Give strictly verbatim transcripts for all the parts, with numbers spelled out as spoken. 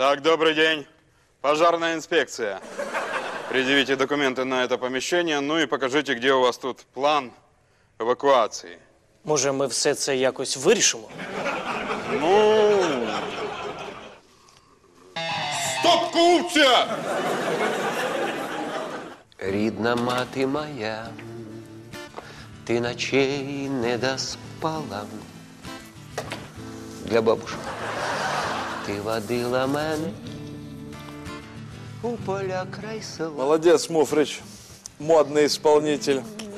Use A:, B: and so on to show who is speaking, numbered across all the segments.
A: Так, добрый день. Пожарная инспекция. Предъявите документы на это помещение, ну и покажите, где у вас тут план евакуації.
B: Може, ми все це якось вирішимо?
A: Ну... Стоп, купця!
C: Рідна мати моя, ти ночей не доспала. Для бабушки. Ти водила мене у поля край села.
D: Молодец, Муфрич. Модный исполнитель.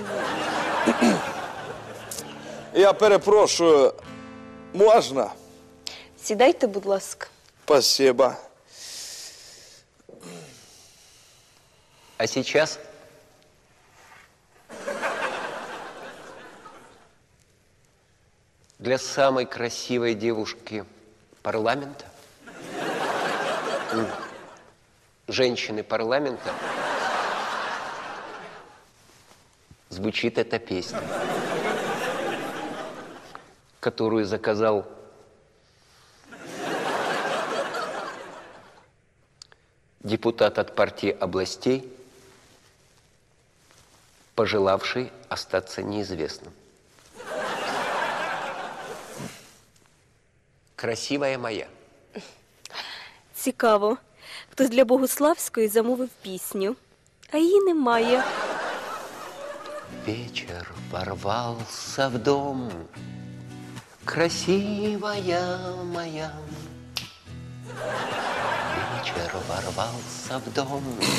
D: Я перепрошую, можна?
E: Сідайте, будь ласка.
D: Спасибо.
C: А сейчас для самой красивой девушки парламента, женщины парламента, звучит эта песня, которую заказал депутат от партии областей, пожелавший остаться неизвестным. Красивая моя.
E: Цікаво. Хтось для Богуславської замовив пісню, а її немає.
C: Вечер ворвался в дом, красивая моя. Вечер ворвался в дом,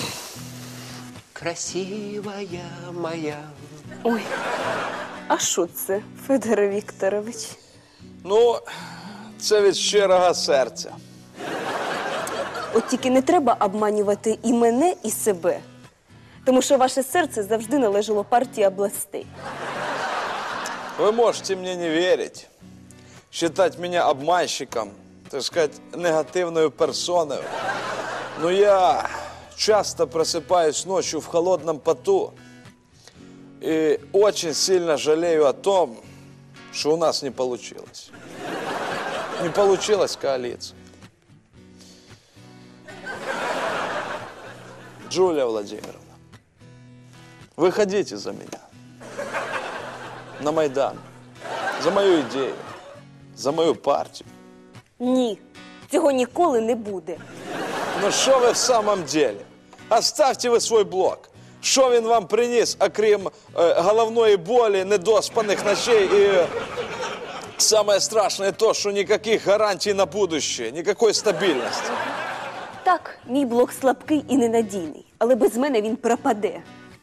C: красивая моя.
E: Ой, а що це, Федоре Вікторович?
D: Ну, це від щирого серця.
E: От тільки не треба обманювати і мене, і себе. Тому що ваше серце завжди належало партії областей.
D: Вы можете мне не верить, считать меня обманщиком, так сказать, негативной персоной. Но я часто просыпаюсь ночью в холодном поту и очень сильно жалею о том, что у нас не получилось. Не получилась коалиция. Джулия Владимировна, выходите за меня. На Майдан. За мою ідею. За мою партію.
E: Ні, цього ніколи не буде.
D: Ну що ви в самом деле? Оставьте ви свой блок. Що він вам приніс, окрім е, головної болі, недоспаних ночей і самое страшное то, що ніяких гарантій на будущее, ніякої стабільності.
E: Так, мій блок слабкий і ненадійний, але без мене він пропаде.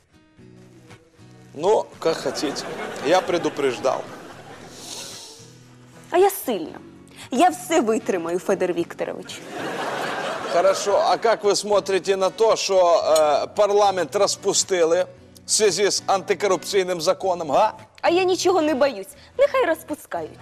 D: Ну, как хотите. Я предупреждал.
E: А я сильна. Я все витримаю, Федор Вікторович.
D: Хорошо, а как вы смотрите на то, что э, парламент распустили в связи с антикоррупційним законом, га?
E: А я нічого не боюсь. Нехай розпускають.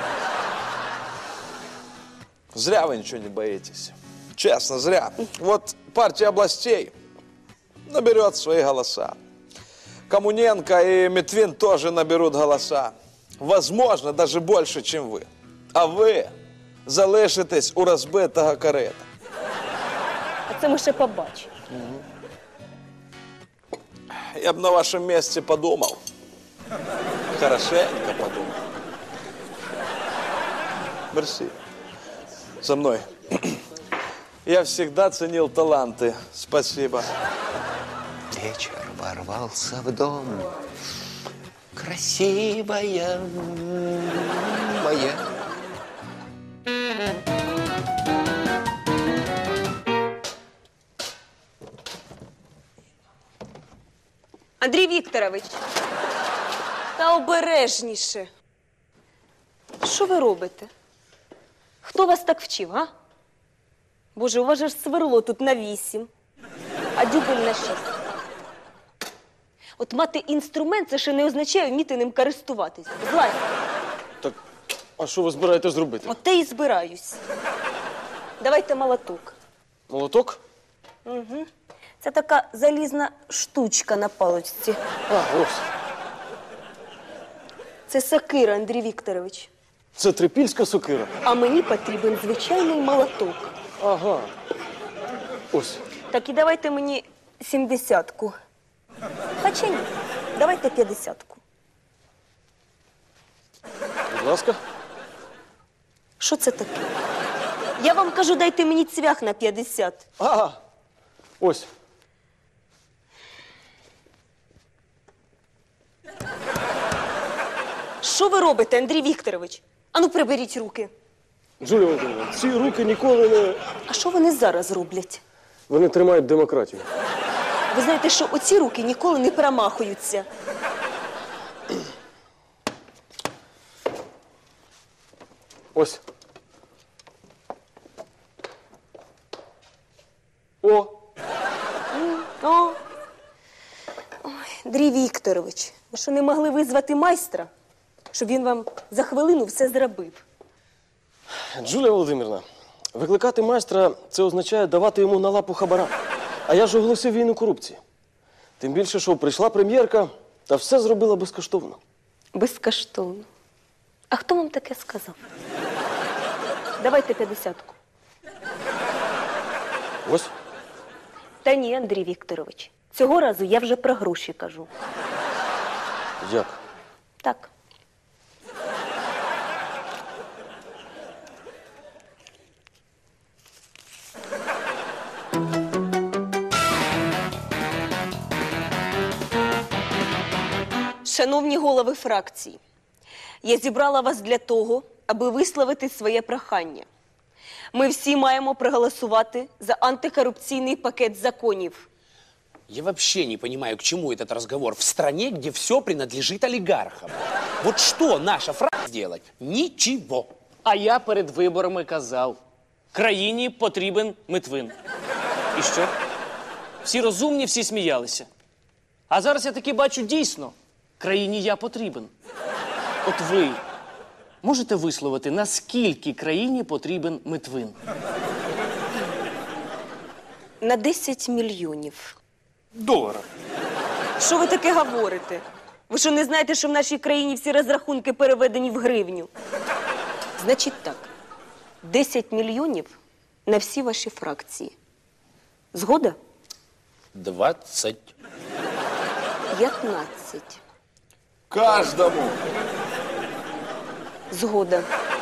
D: Зря вы ничего не боитесь. Честно, зря. Вот партия областей наберет свои голоса. Коммуненко и Метвин тоже наберут голоса. Возможно, даже больше, чем вы. А ви залишитесь у розбитого корита.
E: А це ми ще побачимо.
D: Я б на вашем месте подумал. Хорошенько подумал. Мерси. За мной. Я всегда ценил таланты. Спасибо.
C: Вечер ворвался в дом, красивая моя.
E: Андрій Вікторович, та обережніше. Що ви робите? Хто вас так вчив, а? Боже, у вас же ж сверло тут на вісім, а дюбель на шість. От мати інструмент, це ще не означає вміти ним користуватись. Злазь.
B: Так, а що ви збираєтесь зробити?
E: От те і збираюсь. Давайте молоток.
B: Молоток?
E: Угу. Це така залізна штучка на паличці.
B: А, ось.
E: Це сокира, Андрій Вікторович.
B: Це трипільська сокира.
E: А мені потрібен звичайний молоток.
B: Ага. Ось.
E: Так і давайте мені сімдесятку. Хоча ні, давайте п'ятдесятку.
B: Будь ласка.
E: Що це таке? Я вам кажу, дайте мені цвях на п'ятдесят.
B: Ага. Ось.
E: Що ви робите, Андрій Вікторович? Ану, приберіть руки.
B: Джулія Володимирівна, ці руки ніколи не...
E: А що вони зараз роблять?
B: Вони тримають демократію.
E: Ви знаєте, що оці руки ніколи не перемахуються.
B: Ось. О!
E: О! Ой, Андрій Вікторович, ви що не могли визвати майстра, щоб він вам за хвилину все зробив?
B: Джулія Володимирівна, викликати майстра – це означає давати йому на лапу хабара. А я ж оголосив війну корупції. Тим більше, що прийшла прем'єрка та все зробила безкоштовно.
E: Безкоштовно. А хто вам таке сказав? Давайте п'ятдесятку.
B: Ось.
E: Та ні, Андрій Вікторович. Цього разу я вже про гроші кажу.
B: Як?
E: Так. Шановні голови фракцій, я зібрала вас для того, аби висловити своє прохання. Ми всі маємо проголосувати за антикорупційний пакет законів.
F: Я вообще не понимаю, к чему этот разговор в стране, где все принадлежит олигархам. Вот что наша фракция делать? Ничего.
B: А я перед виборами казав, країні потрібен Митвин. І що? Всі розумні, всі сміялися. А зараз я таки бачу дійсно, країні я потрібен. От ви можете висловити, наскільки країні потрібен Митвин?
E: На десять мільйонів.
B: Долара.
E: Що ви таке говорите? Ви що не знаєте, що в нашій країні всі розрахунки переведені в гривню? Значить так, десять мільйонів на всі ваші фракції. Згода?
F: Двадцать.
E: п'ятнадцять.
D: Каждому.
E: Згода.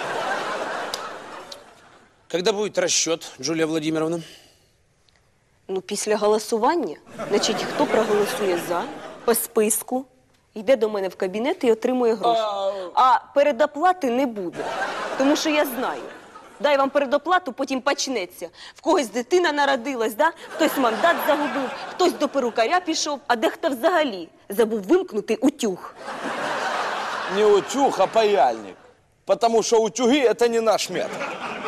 F: Когда будет расчет, Джулия Владимировна?
E: Ну, після голосування, значить, хто проголосує за, по списку, йде до мене в кабінет і отримує гроші. А передоплати не буде, тому що я знаю. Дай вам передоплату, потім почнеться. В когось дитина народилась, да? Хтось мандат загубив, хтось до перукаря пішов, а дехто взагалі забув вимкнути утюг.
D: Не утюг, а паяльник. Потому что утюги – это не наш метод.